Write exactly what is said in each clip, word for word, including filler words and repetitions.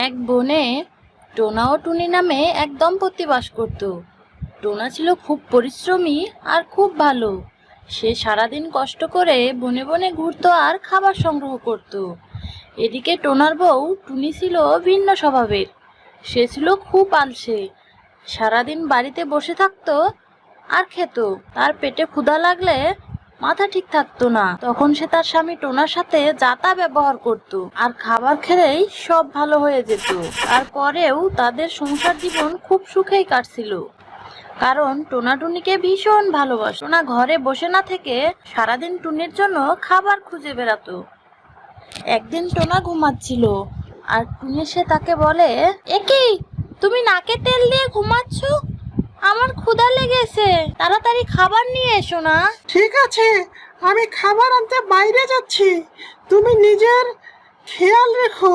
এক বনে টোনা ও টুনি নামে এক দম্পতি বাস করত। টোনা ছিল খুব পরিশ্রমী আর খুব ভালো। সে সারাদিন কষ্ট করে বনে বনে ঘুরতো আর খাবার সংগ্রহ করত। এদিকে টোনার বউ টুনি ছিল ভিন্ন স্বভাবের। সে ছিল খুব আলসে। সারাদিন বাড়িতে বসে থাকতো আর খেত। তার পেটে ক্ষুধা লাগলে মাথা ঠিক থাকতো না, তখন সে তার স্বামী টোনার সাথে যাতা ব্যবহার করত আর খাবার খেলেই সব ভালো হয়ে যেত। তারপরেও তাদের সংসার জীবন খুব সুখেই কাটছিল, কারণ টোনা টুনিকে ভীষণ ভালোবাসে। টোনা ঘরে বসে না থেকে সারাদিন টুনির জন্য খাবার খুঁজে বেড়াতো। একদিন টোনা ঘুমাচ্ছিল আর টুনি সে তাকে বলে, একি তুমি নাকে তেল দিয়ে ঘুমাচ্ছ? আমার ক্ষুধা লেগেছে, তাড়াতাড়ি খাবার নিয়ে এসো না। ঠিক আছে, আমি খাবার আনতে বাইরে যাচ্ছি, তুমি নিজের খেয়াল রেখো।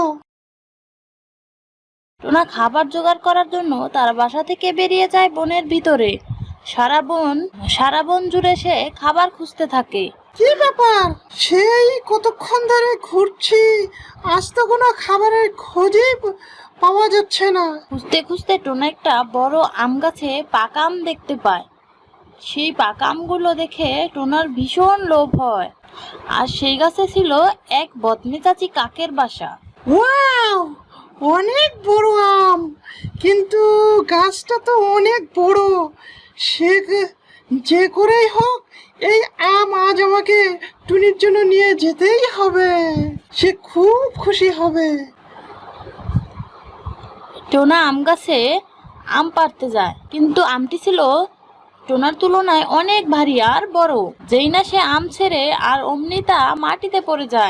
টোনা খাবার জোগাড় করার জন্য তার বাসা থেকে বেরিয়ে যায় বনের ভিতরে। সারা বন সারা বন জুড়ে সে খাবার খুঁজতে থাকে। কি ব্যাপার, সেই কতক্ষণ ধরে ঘুরছি, আজ তো কোনো খাবারের খোঁজই প- পাওয়া যাচ্ছে না। খুঁজতে খুঁজতে টোনা একটা বড় আম গাছে পাকা আম দেখতে পায়। সেই পাকা আমগুলো দেখে টোনার ভীষণ লোভ হয়। আর সেই গাছে ছিল এক বদমেজাজি কাকের বাসা। ওয়াও, অনেক বড় আম, কিন্তু গাছটা তো অনেক বড়। সে গে- যে করেই হোক এই আম আজ আমাকে টুনির জন্য নিয়ে যেতেই হবে, সে খুব খুশি হবে। টোনা আম গাছে আম পাড়তে যায়, কিন্তু আমটি ছিল টোনার তুলনায় অনেক ভারী আর বড়। যেই না সে আম ছেড়ে আর অমনি তা মাটিতে পড়ে যায়।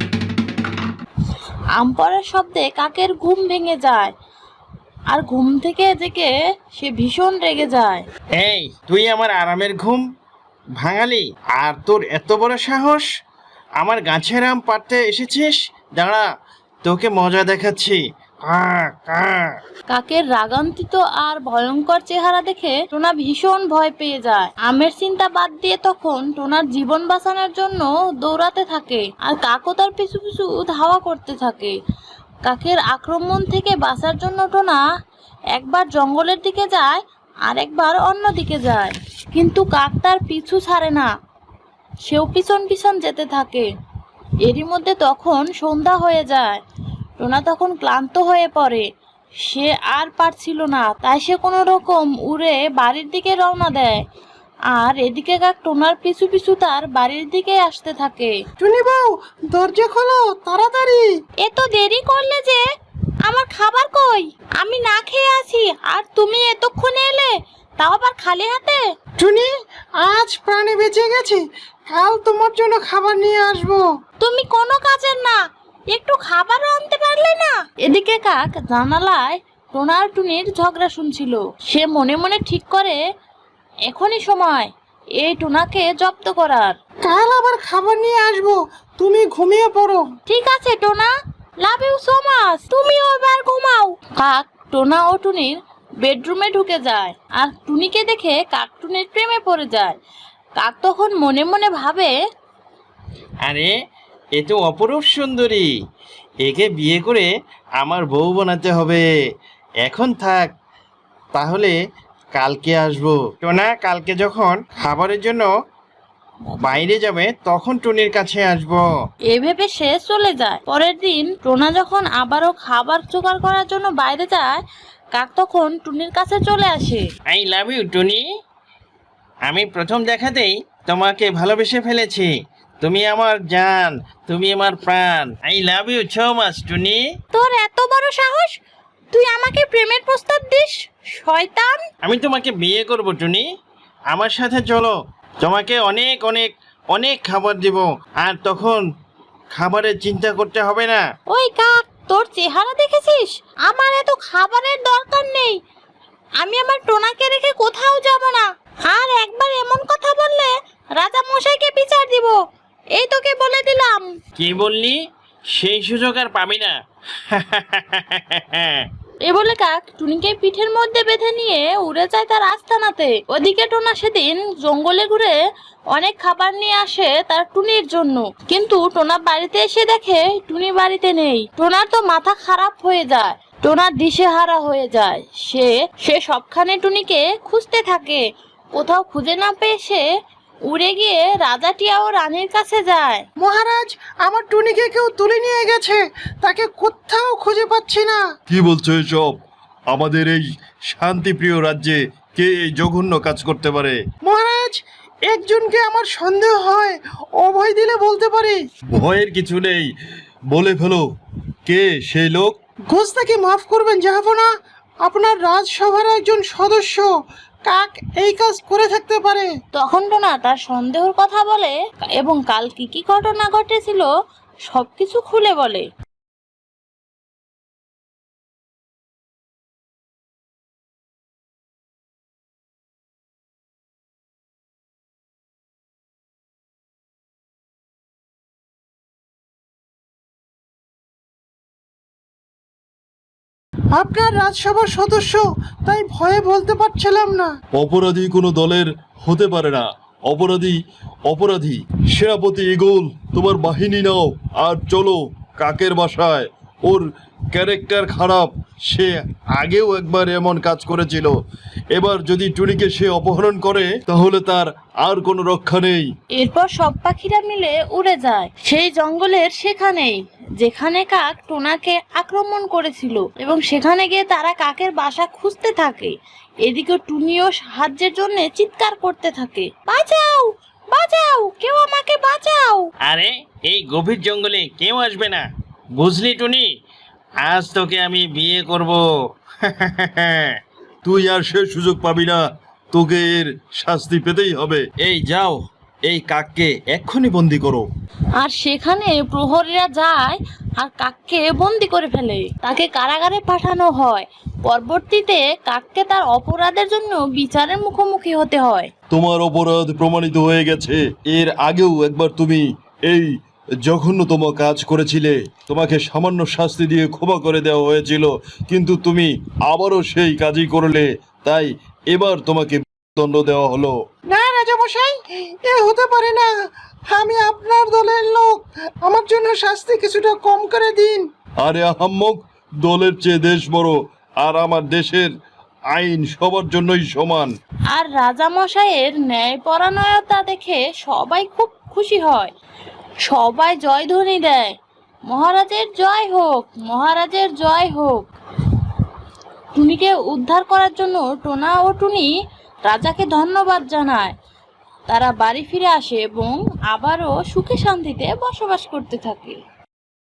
আম পড়ার শব্দে কাকের ঘুম ভেঙে যায়, আর ঘুম থেকে জেগে সে ভীষণ রেগে যায়। এই, তুই আমার আরামের ঘুম ভাঙালি, আর তোর এত বড় সাহস আমার গাছের আম পাড়তে এসেছিস? দাঁড়া, তোকে মজা দেখাচ্ছি। কা কা কাকের রাগান্বিত আর ভয়ঙ্কর চেহারা দেখে টোনা ভীষণ ভয় পেয়ে যায়। আমের চিন্তা বাদ দিয়ে তখন টোনার জীবন বাঁচানোর জন্য দৌড়াতে থাকে, আর কাকও তার পিছু পিছু ধাওয়া করতে থাকে। কাকের আক্রমণ থেকে বাঁচার জন্য টোনা একবার জঙ্গলের দিকে যায় আর একবার অন্য দিকে যায়, কিন্তু কাক তার পিছু ছাড়ে না। সেও পিছন পিছন যেতে থাকে। এরই মধ্যে তখন সন্ধ্যা হয়ে যায়। টোনা তখন ক্লান্ত হয়ে পড়ে। সে আর পারছিল না, তাই সে কোনো রকম উড়ে বাড়ির দিকে রওনা দেয়। আর এদিকে কাক টোনার পিছু পিছু তার বাড়ির দিকে আসতে থাকে। টুনি বউ, দরজা খোলো তাড়াতাড়ি। এত দেরি করলে যে, আমার খাবার কই? আমি না খেয়ে আছি আর তুমি এতক্ষণে এলে, তাও আবার খালি হাতে। টুনি, আজ প্রাণে বেঁচে গেছি, কাল তোমার জন্য খাবার নিয়ে আসবো। তুমি কোনো কাজের না, একটু খাবারও আনতে পারলে না। এদিকে কাক জানালায় টোনা আর টুনির ঝগড়া শুনছিল। সে মনে মনে ঠিক করে এখনই সময় এই টোনাকে জব্দ করার। কাল আবার খাবার নিয়ে আসবো, তুমি ঘুমিয়ে পড়ো। ঠিক আছে Tona, love you so much, তুমিও এবার ঘুমাও। কাক টোনা ও টুনির বেডরুমে ঢুকে যায়, আর টুনিকে দেখে কাক টুনির প্রেমে পড়ে যায়। কাক তখন মনে মনে ভাবে, আরে, এ তো অপরূপ সুন্দরী, একে বিয়ে করে আমার বউ বানাতে হবে। এখন থাক, তাহলে কালকে আসবো। টোনা কালকে যখন খাবারের জন্য বাইরে যাবে তখন টুনির কাছে আসবো। এ ভেবে সে চলে যায়। পরের দিন টোনা যখন আবারও খাবার জোগাড় করার জন্য বাইরে যায়, কাক তখন টুনির কাছে চলে আসে। আই লাভ ইউ টুনি, আমি প্রথম দেখাতেই তোমাকে ভালোবেসে ফেলেছি। তুমি আমার জান, তুমি আমার প্রাণ। I love you so much Tuni. তোর এত বড় সাহস, তুই আমাকে প্রেমের প্রস্তাব দিস, শয়তান! আমি তোমাকে বিয়ে করব টুনি, আমার সাথে চলো। তোমাকে অনেক অনেক অনেক খাবার দেব, আর তখন খাবারের চিন্তা করতে হবে না। ওই কাক, তোর চেহারা দেখেছিস? আমার এত খাবারের দরকার নেই। আমি আমার টোনাকে রেখে কোথাও যাব না। আর একবার এমন কথা বললে রাজা মশাইকে বিচার দিব, এই তোকে বলে দিলাম। কি বললি? সেই সুযোগ আর পাবি না। এ বলে কাক টুনিকে পিঠের মধ্যে বেঁধে নিয়ে উড়ে যায় তার আস্তানাতে। ওদিকে টোনা সেদিন জঙ্গলে ঘুরে অনেক খাবার নিয়ে আসে তার টুনির জন্য, কিন্তু টোনা বাড়িতে এসে দেখে টুনি বাড়িতে নেই। টোনার তো মাথা খারাপ হয়ে যায়, টোনার দিশেহারা হয়ে যায়। সে সে সবখানে টুনিকে খুঁজতে থাকে। কোথাও খুঁজে না পেয়ে সে উড়ে গিয়ে রাজা টিয়া ও রানীর কাছে যায়। মহারাজ, আমার টুনিকে কেউ তুলে নিয়ে গেছে, তাকে কোথাও খুঁজে পাচ্ছি না। কি বলছো এসব? আমাদের এই শান্তিপ্রিয় রাজ্যে কে এই জঘন্য কাজ করতে পারে? মহারাজ, একজনকে আমার সন্দেহ হয়, অভয় দিলে বলতে পারি। ভয়ের কিছু নেই, বলে ফেলো, কে সেই লোক? গোস্তাকে মাফ করবেন জাহাপনা, আপনার রাজসভার একজন সদস্য কাক এই কাজ করে থাকতে পারে। তখন টোনা তার সন্দেহের কথা বলে এবং কাল কি কি ঘটনা ঘটেছিল সবকিছু খুলে বলে। আপনার রাজসভার সদস্য, তাই ভয়ে বলতে পারছিলাম না। অপরাধী কোনো দলের হতে পারে না। অপরাধী অপরাধী। সেনাপতি ইগল, তোমার বাহিনী নাও আর চলো কাকের বাসায়। ওর ক্যারেক্টার খারাপ, সে আগেও একবার এমন কাজ করেছিল। এবার যদি টুনিকে সে অপহরণ করে তাহলে তার আর কোনো রক্ষা নেই। এরপর সব পাখিরা মিলে উড়ে যায় সেই জঙ্গলের সেখানেই যেখানে কাক টোনাকে আক্রমণ করেছিল, এবং সেখানে গিয়ে তারা কাকের বাসা খুঁজতে থাকে। এদিকে টুনিও সাহায্যের জন্য চিৎকার করতে থাকে, বাঁচাও বাঁচাও, কেউ আমাকে বাঁচাও। আরে এই গভীর জঙ্গলে কেউ আসবে না, বুঝলি টুনি? আজ তোকে আমি বিয়ে করব। তুই আর সে সুযোগ পাবি না, তোকে এর শাস্তি পেতেই হবে। এই যাও, এই কাককে এক্ষুনি বন্দি করো। আর সেখানে প্রহরীরা যায় আর কাককে বন্দি করে ফেলে, তাকে কারাগারে পাঠানো হয়। পরবর্তীতে কাককে তার অপরাধের জন্য বিচারের মুখোমুখি হতে হয়। তোমার অপরাধ প্রমাণিত হয়ে গেছে। এর আগেও একবার তুমি এই জঘন্যতম কাজ করেছিলে, তোমাকে সামান্য শাস্তি দিয়ে ক্ষমা করে দেওয়া হয়েছিল, কিন্তু তুমি আবারও সেই কাজই করলে, তাই এবার তোমাকে দণ্ড দেওয়া হলো। না রাজামশাই, এ হতে পারে না। আমি আপনার দলের লোক, আমার জন্য শাস্তি কিছুটা কম করে দিন। আরে আহাম্মক, দলের চেয়ে দেশ বড়, আর আমার দেশের আইন সবার জন্যই সমান। আর রাজামশাইয়ের ন্যায়পরায়ণতা দেখে সবাই খুব খুশি হয়, সবাই জয়ধ্বনি দেয়, মহারাজের জয় হোক, মহারাজের জয় হোক। টুনিকে উদ্ধার করার জন্য টোনা ও টুনি রাজাকে ধন্যবাদ জানায়। তারা বাড়ি ফিরে আসে এবং আবারও সুখে শান্তিতে বসবাস করতে থাকে।